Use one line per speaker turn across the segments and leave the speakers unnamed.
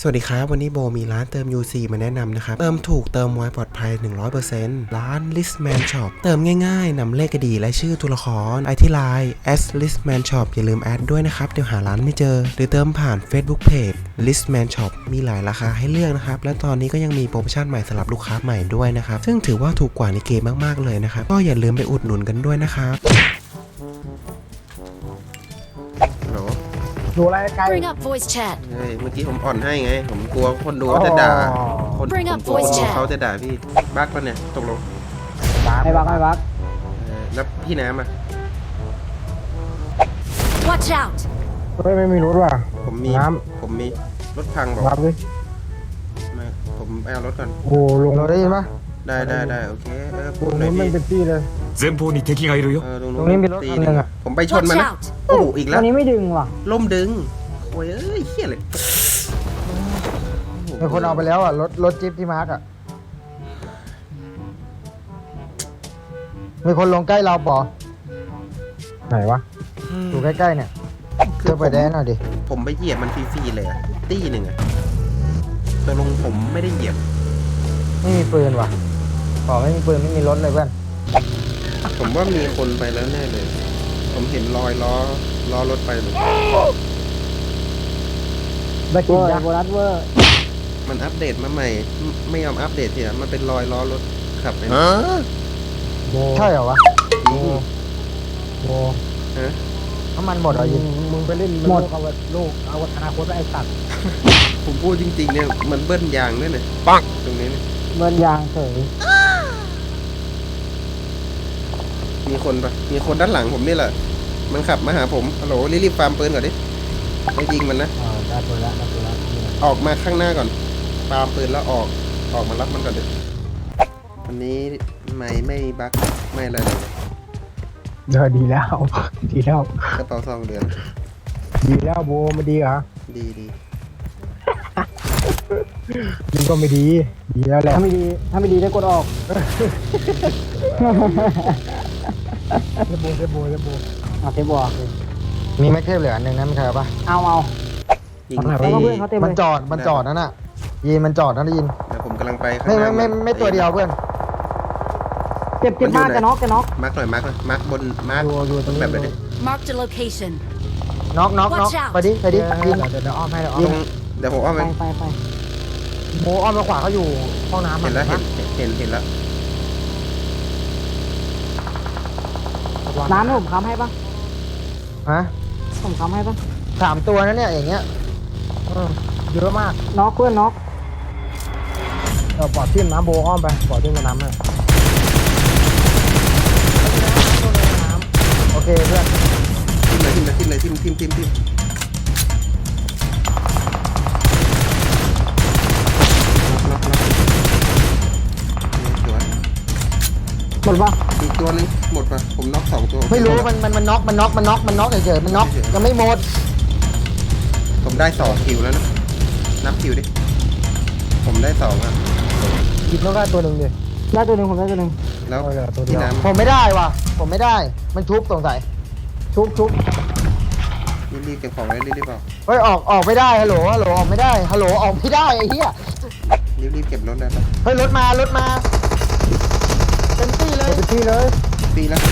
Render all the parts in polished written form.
สวัสดีครับวันนี้โบมีร้านเติม UC มาแนะนำนะครับเติมถูกเติมไวปลอดภัย 100% ร้าน Listman Shop เติมง่ายๆนำเลขอดีและชื่อตัวละครไอที่ไลน์ @listman shop อย่าลืมแอดด้วยนะครับเดี๋ยวหาร้านไม่เจอหรือเติมผ่าน Facebook Page Listman Shop มีหลายราคาให้เลือกนะครับและตอนนี้ก็ยังมีโปรโมชั่นใหม่สำหรับลูกค้าใหม่ด้วยนะครับซึ่งถือว่าถูกกว่าในเกมมากๆเลยนะครับก็อย่าลืมไปอุดหนุนกันด้วยนะครับ
ดูอะไรไกล
Bring up voice chat.
เมื่อกี้ผมอ่อนให้ไงผมกลัวคนดูจะด่าคนผมกลัวคนดูเขาจะด่าพี่บั๊กปะเนี่ยตกลง
ไม่บักไม่บัก
แล้วพี่น้ำอ่ะ
Watch out.
เฮ้ยไม่มีรถว่ะ
ผมมี
น้
ผมมีรถพังบอก
ำรับดิ
มาผมไปเอารถก่อน
โอ้ลงเราได้ยินปะ
ได้โอเคพู
ตร
ด
ง
หน่อ
นู้
ย
นมัน
พี่
เป็นที่เลย
前方に敵がいるよ。
ตรง
ตรงนี้มีรถคันหนึ่งอะ
ผมไปชน
Watch
มันนะ
out.
โอ้โหอีกแล้ว
ตรงนี้ไม่ดึงว่ะ
ล่มดึงโอ้ยเอ้ยเฮี้ยเลย
มีคนเอาไปแล้วอ่ะรถจิ๊บที่มาร์กอ่ะมีคนลงใกล้เราปอไหนวะอยู่ใกล้ๆเนี่ยเจอไปแดนหน่อยดิ
ผมไปเหยียบมันฟรีๆเลยอะตี้หนึ่งอะตกลงผมไม่ได้เหยียบ
ไม่มีปืนว่ะปอไม่มีปืนไม่มีรถเลยเพื่อน
ผมว่ามีคนไปแล้วแน่เลย ผมเห็นรอยล้อรถไปเลย
ได้กินยาโบรัสเวอร์
มันอัปเดตมาใหม่ไม่ยอมอัปเดตทีอะมันเป็นรอยล้อรถขับไป
ใช่เหรอวะ
จริง
โบ
ฮะ
น้ำมันหมดเหรอยิงมึงไปเล่นหมดเอาลูกเอาอนาคตไอ้สัตว์
ผมพูดจริงๆเนี่ยมันเบิ้ลยางด้วยเนี่ยปังตรงนี้เนี่ย
เบิร์นยางเฉย
มีคนปะมีคนด้านหลังผมนี่แหละ มันขับมาหาผมฮัลโหลรีบๆฟาร์มปืนก่อนดิไม่ยิงมันนะ
ได้ปืนแล้วได้ปืนแล้ว
ออกมาข้างหน้าก่อนฟาร์มปืนแล้วออกมารับมันก่อนดิวันนี้ไม่บั๊กไม่อะไรเลย
ดีแล้ว ดีแล้ว
กระเป๋าซองเดือน
ดีแล้วโบไม่ดีเหรอ
ดี
มันก็ไม่ดี ดีแล้วแหละถ้าไม่ดีได้กดออกเทปโบเอาเทปโบมีแม็กเทปเหลืออันหนึ่งนะมันใครปะเอา
ยิง
มันจอดนั่นน่ะยินมันจอดนั่นได้ยิน
เดี๋ยวผมกำลังไปข้าง
ไม่
หน้า
ไม่ตัวเดียวเพื่อนเจ็บมากจะน็อก
มาร์กหน่อยมาร์กบนมาร์ก
อยู่ตรงนี้
แบบไหนดิ
Marked a location.
น็อก
Watch out
ไปดิยิงเดี๋ยวอ้อมให้
ตรงเดี๋ยวผมอ้อมไป
ไปโบอ้อมมาขวาเขาอยู่ห้องน้ำ
เห็นแล้วแล้ว
ร้านผมค้ำให้ปะ
ฮะ
ผมค้ำให้ปะ
3 ตัวนะเนี่ยอย่างเงี้ยเยอะมาก
น็อกเพื่อนน็อก
ปอดทิ่มน้ำโบอ้อมไปปอดทิ่มกับน้ำเลยโอเคเพื่อน
ทิมเลยทิมสวย
หมดปะ
อีกตัวนึงหมดป่ะผมน็อก2ตัว
ไม่รู้มันน็อกเฉยๆมันน็อกยังไม่หมด
ผมได้2คิวแล้วนะนับคิวดิผมได้2อ่ะ
หยิบน็อกได้ตัวหนึ่งดิ
ได้ตัวหนึ่งผมได้ตัวหนึ่ง
แล้ว
ตัวเดี
พี่
ยว
น้ำ
ผมไม่ได้ว่ะผมไม่ได้มันชุบสงสัยชุบ
รีบเก็บของเลยรีบๆเอา
เฮ้ยออกไม่ได้ฮัลโหลออกไม่ได้ฮัลโหลออกไม่ได้ไอ้เหี้ย
รีบเก็บรถได้ปะ
เฮ้ยรถมาเต็มที่เลย
ปีแล้ว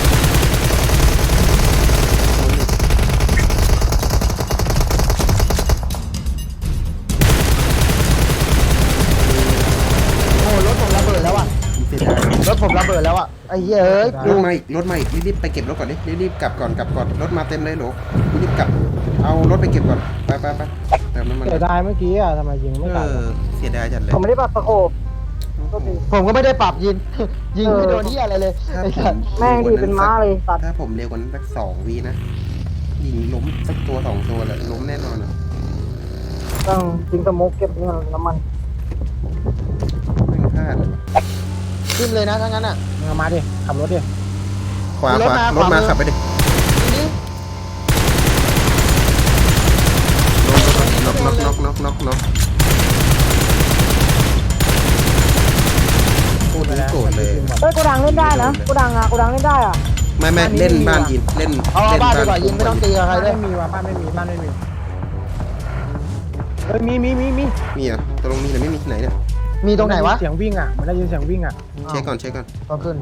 โอ้รถผมระเบิดแล้วอ่ะ
เสียดาย
รถผมระเบิดแล้วอ่ะไอ้เหี้ยเอ้ย
รถมาอีกรีบไปเก็บรถก่อนดิรีบกลับก่อนรถมาเต็มเลยโหลรีบกลับเอารถไปเก็บก่อนไปเติมน้ำมัน
เสียดายเมื่อกี้อ่ะทำไมยิงไม่ตาย
เสียดายจัดเลย
ผมไม่ได้ปรับสโคป
ผมก็ไม่ได้ปรับยิงไม่โดนที่อะไรเลยไอ้สัตว์
แม่งดีเป็นม้าเลยตัด
ถ้าผมเร็วกว่านั้นสัก2 วินะยิงล้มสักตัว2 ตัวแหละล้มแน่นอนอ่ะ
ต้องทิ้งสโมกเก็บเงินน้ำมัน
ไม่พลาด
ขึ้นเลยนะถ้างั้นอ่ะมาดิขับรถดิ
ขวารถมาขับไปดิน็อกโคตรโกรธเลย
เฮ้ยโกดังเล่นได้นะโกดังเล่นได้อ่ะ
ไม่เล่นบ้านยินเล่น
เอาบ้านดีกว่ายิงไม่ต้องตีกับใครด้วย
ไม่มีว่ะบ้านไม่มีเฮ้ยมี
มีอ่ะตกลงมีหรือไม่มีไหนเนี่ย
มีตรงไหนวะ
เสียงวิ่งอ่ะมันได้ยินเสียงวิ่งอ่ะ
เช็คก่อน
ก็ขึ้น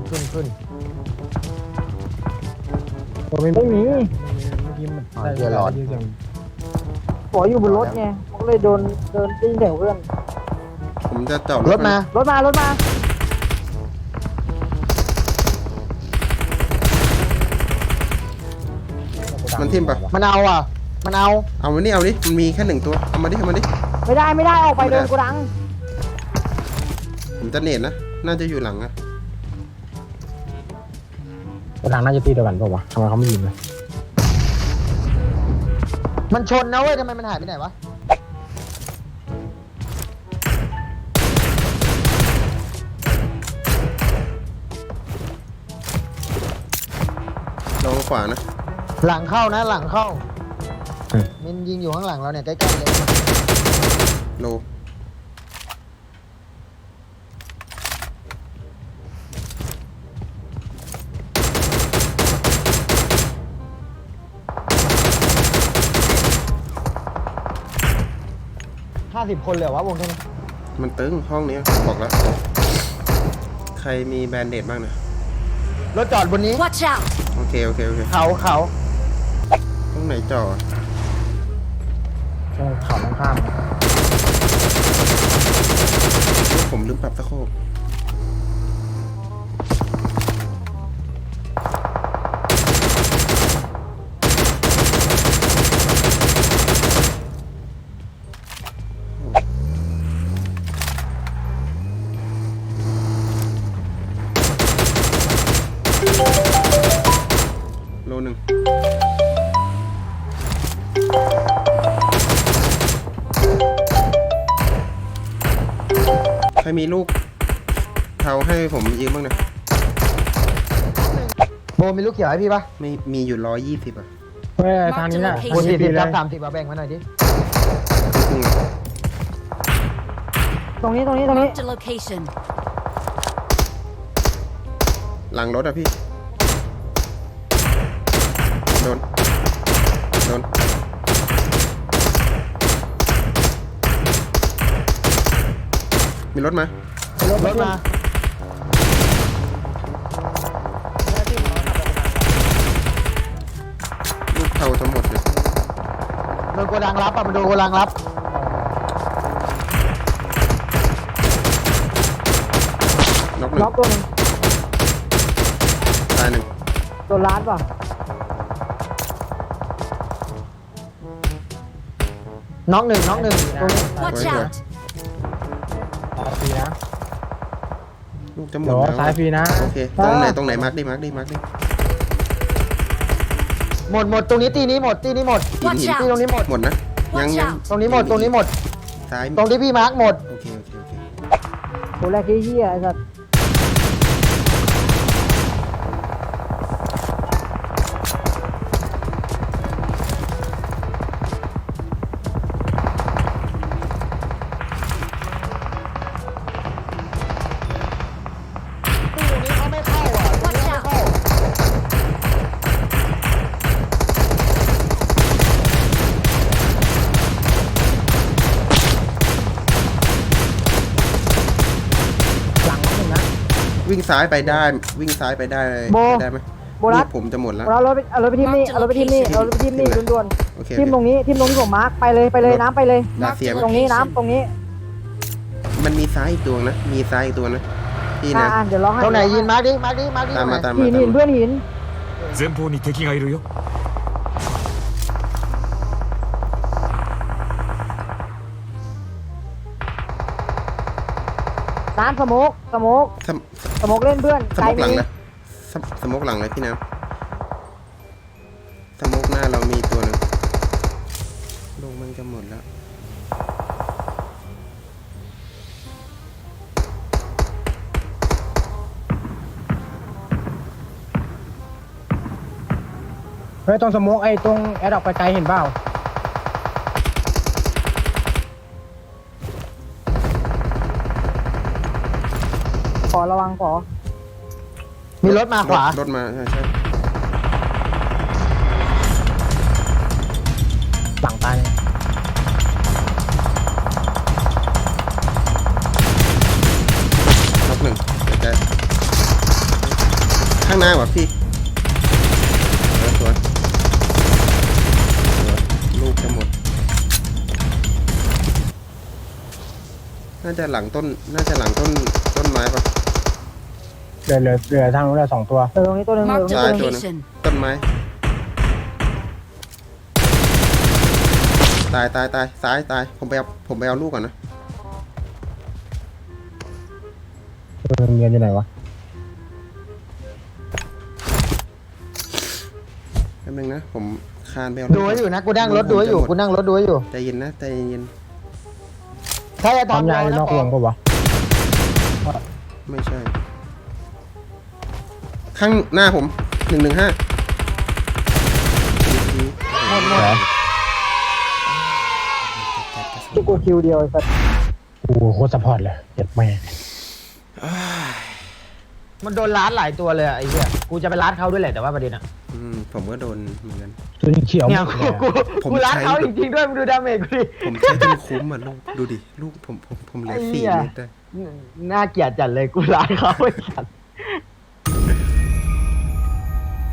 ไม่มี
อ๋อ
เมื่อกี้มัน
เดี๋ยวหลอด
ได้ยินเสียงบอกอยู่บนรถไงก็เลยเดินได้ยินเสียงเพื่อน
ผมจะจอด
รถมา
รถมา
มันทิ่มปะ
มันเอาอ่ะ มันเอา
เอาวันนี้เอาดิมันมีแค่1ตัวเอามาดิ
ไม่ได้ออกไปเดินกูดัง
ผมจะเนตนะน่าจะอยู่หลังอะ
กูดังน่าจะตีเดียวกันป่าววะทำไมเขาไม่ยิงเลย
มันชนนะเว้ยทำไมมันหายไปไหนวะ
ลองขวานะ
หลังเข้านะหลังเข้ามันยิงอยู่ข้างหลังเราเนี่ยใกล้ๆเลย
โล
50 คนเลยเหรอวะวงแค่นี้
มันตึงห้องนี้บอกแล้ว ใครมีแบนเดดบ้างนะ
รถจอดบนนี้
Watch out!
โอเค
เขา
ตรงไหนจอด
ตรงเขาตรงข้าม
ผมลืมปรับตะโคบโลหนึ่งใครมีลูกเทาให้ผมยืมบ้างนะ
โบมีลูกเขียวให้พี่ปะ
ไม่มีอยู่120อ่ะ
เฮ้ยทางนี้แหละ
โบ40ครับ30มาแบ่งมาหน่อยดิ
ครึ่งอะ
ตรงนี้
Marked a location.
หลังรถอ่ะพี่ โดน มีรถมา
รถมา
ลูกเทาทั้งหมดเลย
โดนโกดังรับอ่ะมันโดนโกดังรับ
น็อกหนึ่ง
ล็อกตัวนึง
ตายหนึ่ง
ตัวร้านป่ะ
น้องหนึ่งตรงนี้
Watch out!
ซ้ายฟรีนะ
ลูกจะหม
เดี๋
ด
ยว
แล้ว
ซ้ายฟรีนะ
โอเค ตรงไหนมาร์กดิ
หมดตรงนี้ตีนี้หมด
หิน
Watch
ตีตรง
out!
นี้หมด
หมดนะ ยัง
Watch
ยัง
out!
ตรงนี้หมด
ซ้าย
ตรงที่พี่มาร์กหมด
โอเค
ตัวแรกที่เฮียไอ้สัส
ตีตรงนี้เขาไม่เข้าอ่ะ
Watch out!
หลังน้องหนึ่งนะ
วิ่งซ้ายไปได้
โบ
ได้ไหม
โบรัส
ลูกผมจะหมดแล้ว
เอารถไปทีมนี่ด่วน
โอเค
ๆทีมตรงนี้ที่ผมมาร์คไปเลยน้ำไปเลย
ดาเซีย
ตรงนี้น้ำตรงนี้
มันมีซ้ายอีกตัวนะ พี่นะ
เดี๋ยวร้องให้
ตรงไหนยินมาร์กดิ
ตามมา
หินเพื่อนหิน
前方に敵がいるよ
น้ำสโมก
สม
เล่นเพื่อน
ส
ไกล
มกหลัง
มี
นะสมกหลังเลยพี่น้ำสมกหน้าเรามีตัวหนึ่งลงมันจะหมดแล้ว
เฮ้ยตรงสโมกไอ้ตรงแอดออกไปไกลเห็นเปล่า ขอระวังขอ
มีรถมาขวา
รถมาใช่
หลังตาย
ข้างหน้าว่ะพี่สวยลูกจะหมดน่าจะหลังต้นต้นไม้ปะ
เหลือทางนู้นละ2 ตัว
ตรงนี้ตัวหนึง
Marked
ซ้าย
a
ตัวหนึง
location.
ต้นไม้ตายซ้ายตายผมไปเอาลูกก่อนนะ
เงียนอยู่ไหนวะ
แป๊บนึงนะผมคานไปเอา
ดูไว้อยู่นะกูนั่งรถดูไว้อยู่
ใจเย็นนะใจเย็น
ถ้าจะทำยาอยู่นอกวงปะวะ
ไม่ใช่ ข้างหน้าผม115
ที่กูคิวเดียวไอ้สัส
โอ้โหโคตรสปอร์ตเลยเจ็บแม่มันโดนล้านหลายตัวเลยไอ้เหี้ยกูจะไปล้านเขาด้วยแหละแต่ว่าประเด็นอะ
ผมก็โดนเหมือนกัน
ตัวนี้เขียวเนี่ยกูล้านเขาจริงๆด้วยมึงดูดาเมจกูดิ
ผมใช้จนคุ้มอ่ะลูกดูดิลูกผมเหลือ4 เม็ดได้
น่าเกลียดจัดเลยกูล้านเขาไอ้สัตว์